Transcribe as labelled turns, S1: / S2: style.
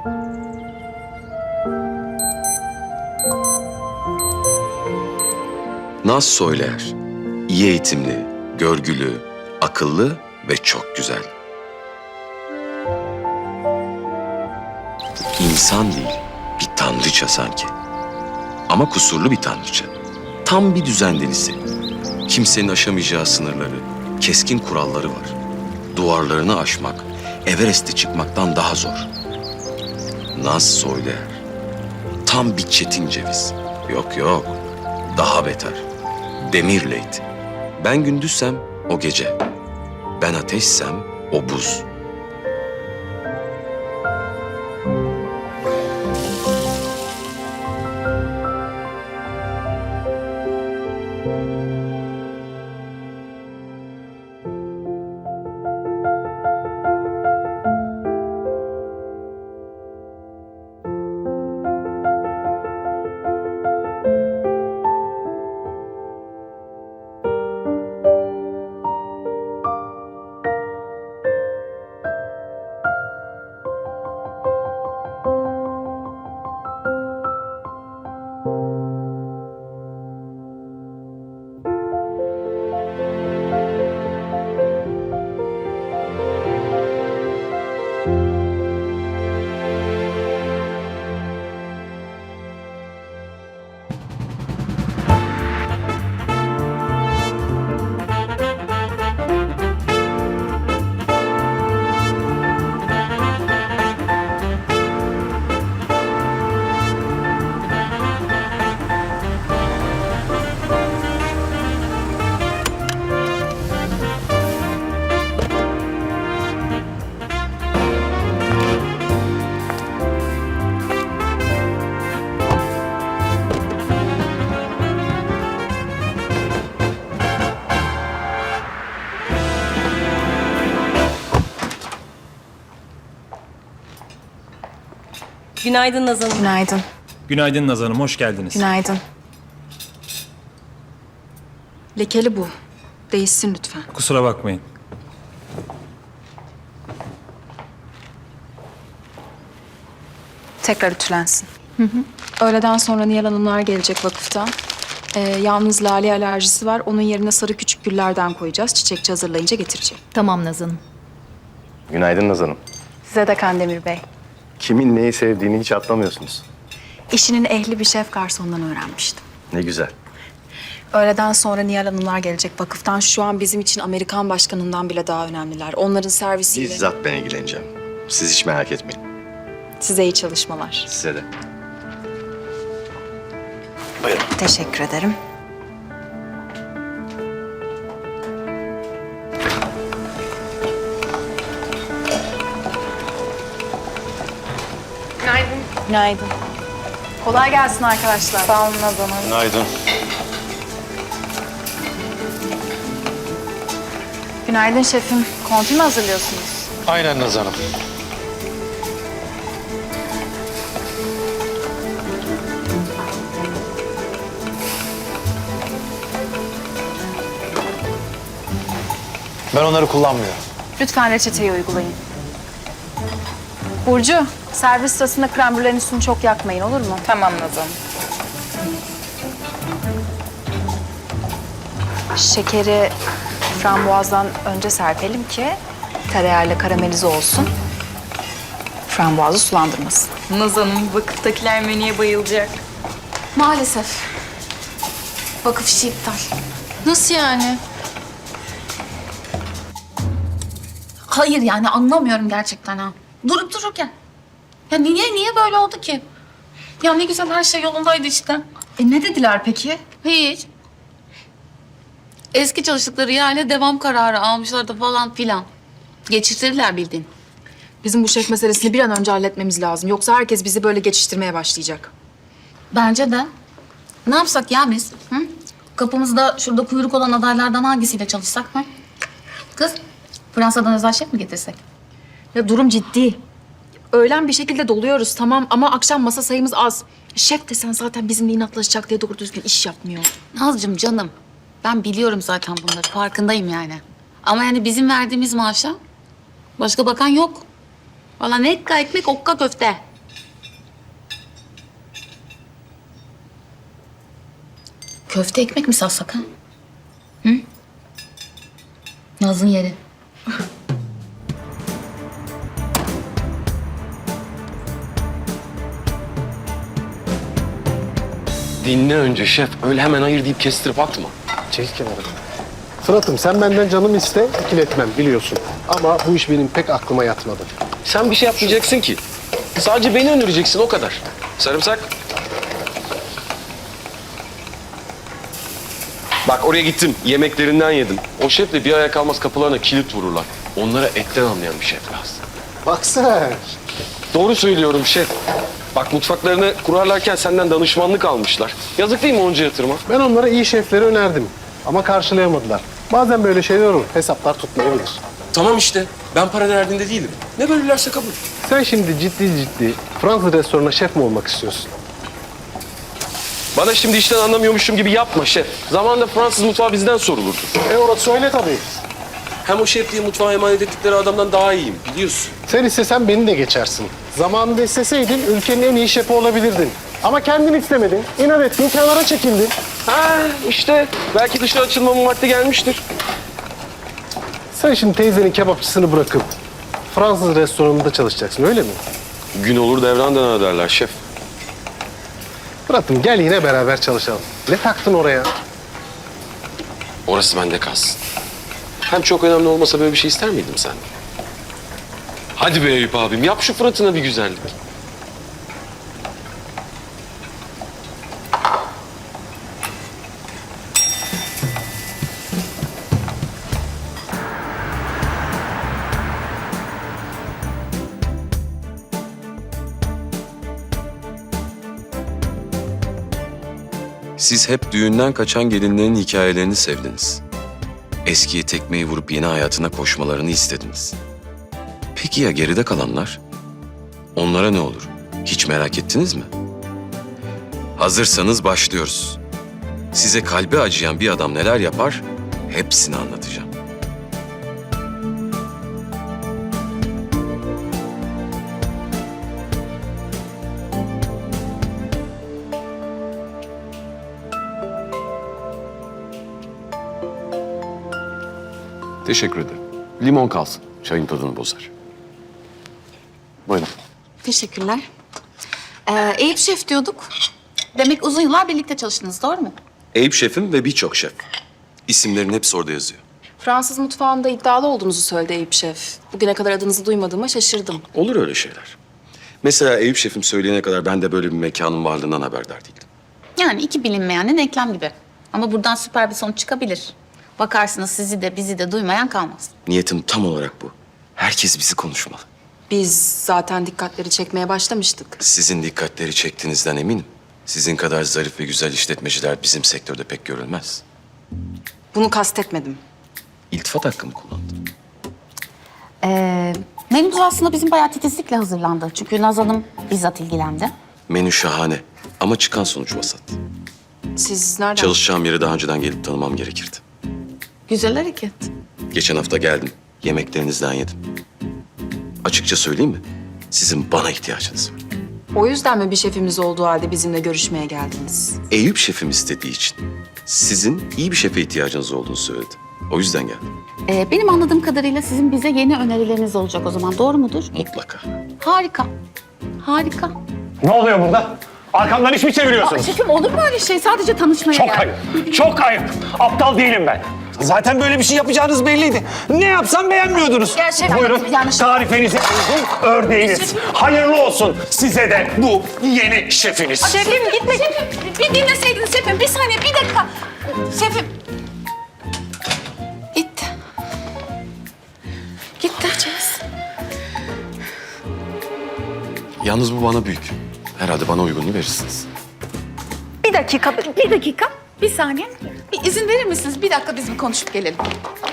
S1: Naz Soyler, iyi eğitimli, görgülü, akıllı ve çok güzel. İnsan değil, bir tanrıça sanki. Ama kusurlu bir tanrıça. Tam bir düzen delisi. Kimsenin aşamayacağı sınırları, keskin kuralları var. Duvarlarını aşmak, Everest'e çıkmaktan daha zor. Naz Soyler, tam bir çetin ceviz. Yok, daha beter. Demirleyt. Ben gündüzsem o gece. Ben ateşsem o buz.
S2: Günaydın Nazan Hanım.
S3: Günaydın.
S4: Günaydın Naz Hanım, hoş geldiniz.
S3: Günaydın. Lekeli bu. Değişsin lütfen.
S4: Kusura bakmayın.
S3: Tekrar ütülensin. Öğleden sonra Nihal Hanımlar gelecek vakıftan. Yalnız lale alerjisi var. Onun yerine sarı küçük güllerden koyacağız. Çiçekçi hazırlayınca getireceğim.
S2: Tamam Nazan Hanım.
S5: Günaydın Naz Hanım.
S3: Size de Kandemir Bey.
S5: Kimin neyi sevdiğini hiç atlamıyorsunuz.
S3: İşinin ehli bir şef garsondan öğrenmiştim.
S5: Ne güzel.
S3: Öğleden sonra Nihal Hanımlar gelecek vakıftan. Şu an bizim için Amerikan başkanından bile daha önemliler. Onların servisiyle...
S5: Bizzat ben ilgileneceğim. Siz hiç merak etmeyin.
S3: Size iyi çalışmalar.
S5: Size de.
S3: Teşekkür ederim. Günaydın. Kolay gelsin arkadaşlar. Sağ olun Nazan Hanım.
S5: Günaydın.
S3: Günaydın şefim. Konfi mi hazırlıyorsunuz?
S6: Aynen Naz Hanım. Ben onları kullanmıyorum.
S3: Lütfen reçeteyi uygulayın. Burcu, servis sırasında krem brülenin üstünü çok yakmayın, olur mu? Tamam Nazan. Şekeri frambuazdan önce serpelim ki tereyağıyla karamelize olsun. Frambuazı sulandırmasın.
S2: Nazan'ım vakıftakiler menüye bayılacak.
S3: Maalesef. Vakıf işi iptal.
S7: Nasıl yani? Hayır yani anlamıyorum gerçekten ha. Durup dururken. Ya niye böyle oldu ki? Ya ne güzel her şey yolundaydı işte.
S3: Ne dediler peki?
S7: Hiç. Eski çalıştıkları yerle devam kararı almışlardı falan filan. Geçiştirdiler bildiğin.
S3: Bizim bu şef meselesini bir an önce halletmemiz lazım. Yoksa herkes bizi böyle geçiştirmeye başlayacak.
S7: Bence de. Ne yapsak ya biz? Hı? Kapımızda şurada kuyruk olan adaylardan hangisiyle çalışsak? Hı? Kız, Fransa'dan özel şef mi getirsek?
S3: Ya durum ciddi. Öğlen bir şekilde doluyoruz tamam ama akşam masa sayımız az. Şef desen zaten bizimle inatlaşacak diye doğru düzgün iş yapmıyor.
S7: Nazcığım canım, ben biliyorum zaten bunları, farkındayım yani. Ama yani bizim verdiğimiz maaşa başka bakan yok. Valla ne ekmek okka köfte. köfte ekmek mi satsak ha? Hı? Naz'ın yeri.
S1: Dinle önce şef. Öyle hemen hayır deyip kestirip atma.
S8: Çek kenara. Fırat'ım sen benden canımı iste, ikiletmem biliyorsun. Ama bu iş benim pek aklıma yatmadı.
S1: Sen bir şey yapmayacaksın ki. Sadece beni öldüreceksin o kadar. Sarımsak. Bak oraya gittim. Yemeklerinden yedim. O şefle bir aya kalmaz kapılarına kilit vururlar. Onlara etten anlayan bir şef lazım.
S8: Bak sen.
S1: Doğru söylüyorum şef. Bak mutfaklarını kurarlarken senden danışmanlık almışlar. Yazık değil mi onca yatırıma?
S8: Ben onlara iyi şefleri önerdim. Ama karşılayamadılar. Bazen böyle şeyler olur. Hesaplar tutmayabilir.
S1: Tamam işte. Ben para derdinde değilim. Ne verirlerse kabul.
S8: Sen şimdi ciddi Fransız restoranına şef mi olmak istiyorsun?
S1: Bana şimdi işten anlamıyormuşum gibi yapma şef. Zamanında Fransız mutfağı bizden sorulurdu.
S8: Orası öyle tabii.
S1: Hem o şefliği mutfağa emanet ettikleri adamdan daha iyiyim biliyorsun.
S8: Sen istesen beni de geçersin. Zamanında isteseydin ülkenin en iyi şefi olabilirdin. Ama kendin istemedin. İnat ettin, kenara çekildin.
S1: Ha işte belki dışarı açılmamın vakti gelmiştir.
S8: Sen şimdi teyzenin kebapçısını bırakıp Fransız restoranında çalışacaksın öyle mi?
S1: Gün olur devran döner derler şef.
S8: Fırat'ım gel yine beraber çalışalım. Ne taktın oraya?
S1: Orası bende kalsın. Hem çok önemli olmasa böyle bir şey ister miydim sen? Hadi be Eyüp abim yap şu Fırat'ına bir güzellik. Siz hep düğünden kaçan gelinlerin hikayelerini sevdiniz. Eskiye tekmeyi vurup yeni hayatına koşmalarını istediniz. Peki ya geride kalanlar? Onlara ne olur? Hiç merak ettiniz mi? Hazırsanız başlıyoruz. Size kalbi acıyan bir adam neler yapar? Hepsini anlatacağım. Teşekkür ederim. Limon kalsın. Çayın tadını bozar. Buyurun.
S7: Teşekkürler. Eyüp Şef diyorduk. Demek uzun yıllar birlikte çalıştınız, doğru mu?
S1: Eyüp şefim ve birçok şef. İsimlerin hepsi orada yazıyor.
S3: Fransız mutfağında iddialı olduğunuzu söyledi Eyüp Şef. Bugüne kadar adınızı duymadığıma şaşırdım.
S1: Olur öyle şeyler. Mesela Eyüp şefim söyleyene kadar ben de böyle bir mekanın varlığından haberdar değildim.
S7: Yani iki bilinmeyenin denklem gibi. Ama buradan süper bir sonuç çıkabilir. Bakarsınız sizi de bizi de duymayan kalmaz.
S1: Niyetim tam olarak bu. Herkes bizi konuşmalı.
S3: Biz zaten dikkatleri çekmeye başlamıştık.
S1: Sizin dikkatleri çektiğinizden eminim. Sizin kadar zarif ve güzel işletmeciler bizim sektörde pek görülmez.
S3: Bunu kastetmedim.
S1: İltifat hakkımı kullandım.
S7: Menümüz aslında bizim bayağı titizlikle hazırlandı. Çünkü Naz Hanım bizzat ilgilendi.
S1: Menü şahane ama çıkan sonuç vasat.
S3: Siz nereden?
S1: Çalışacağım yeri daha önceden gelip tanımam gerekirdi.
S7: Güzel hareket.
S1: Geçen hafta geldim. Yemeklerinizden yedim. Açıkça söyleyeyim mi? Sizin bana ihtiyacınız var.
S3: O yüzden mi bir şefimiz olduğu halde bizimle görüşmeye geldiniz?
S1: Eyüp şefim istediği için sizin iyi bir şefe ihtiyacınız olduğunu söyledi. O yüzden geldim.
S7: Benim anladığım kadarıyla sizin bize yeni önerileriniz olacak o zaman. Doğru mudur?
S1: Mutlaka.
S7: Harika. Harika.
S9: Ne oluyor burada? Arkamdan iş mi çeviriyorsunuz?
S7: Şefim olur mu öyle şey? Sadece tanışmaya
S9: Çok
S7: geldim.
S9: ayıp. Çok ayıp. Aptal değilim ben. Zaten böyle bir şey yapacağınız belliydi. Ne yapsam beğenmiyordunuz.
S7: Ya şefim,
S9: Buyurun.
S7: yanlış-
S9: Tarifenize uygun ördeğiniz. Hayırlı olsun size de bu yeni şefiniz.
S7: Şefim gitme. Bir dinleseydiniz şefim. Bir saniye, bir dakika. Şefim. Gitti. Gitti.
S1: Yalnız bu bana büyük. Herhalde bana uygununu verirsiniz.
S7: Bir dakika. Bir saniye. Bir izin verir misiniz? Bir dakika biz bir konuşup gelelim.